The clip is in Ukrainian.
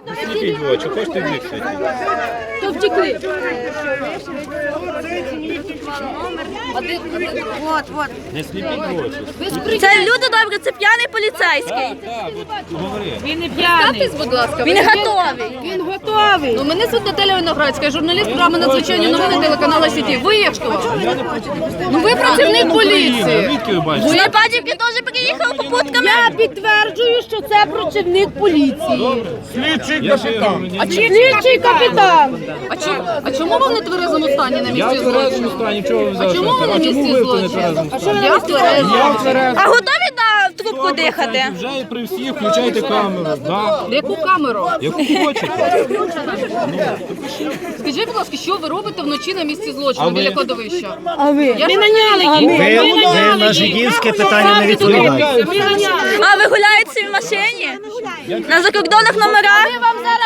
Сліпіть в очі, хочете вікти? То втекли. Не сліпіть в очі. Це люди добре, це п'яний поліцейський. Так, от говори. Він не п'яний. Представтесь, будь ласка. Він готовий. Він готовий. Ну, мене звуть Наталя Виноградська, журналіст програми «Надзвичайні новини» телеканалу «Сіті». Ви як хто? Ну, ви працівник поліції. Звідки ви бачите? На Падівки теж приїхали попутками. Я підтверджую, що це працівник поліції. Я ще говорю, ні. Слідчий капітан. А чому ви в нетверезому стані на Я в місці тверезому злочину? стані, чого ви взяли? Чому ви на А чому місці ви в злочину? нетверезому стані? Я в тверезому. Я в тверезому. А готові на трубку дихати? Вже і при всіх включайте камеру. Да. Яку камеру? Яку хочете. Скажіть, будь ласка, що ви робите вночі на місці А злочину ви? біля кладовища? А ви? Я Ми наняли їх. Ви на жидівське питання не відповідаєте. Ми наняли. А ви гуляєте в машині? На закордонних номерах? Ми вам зараз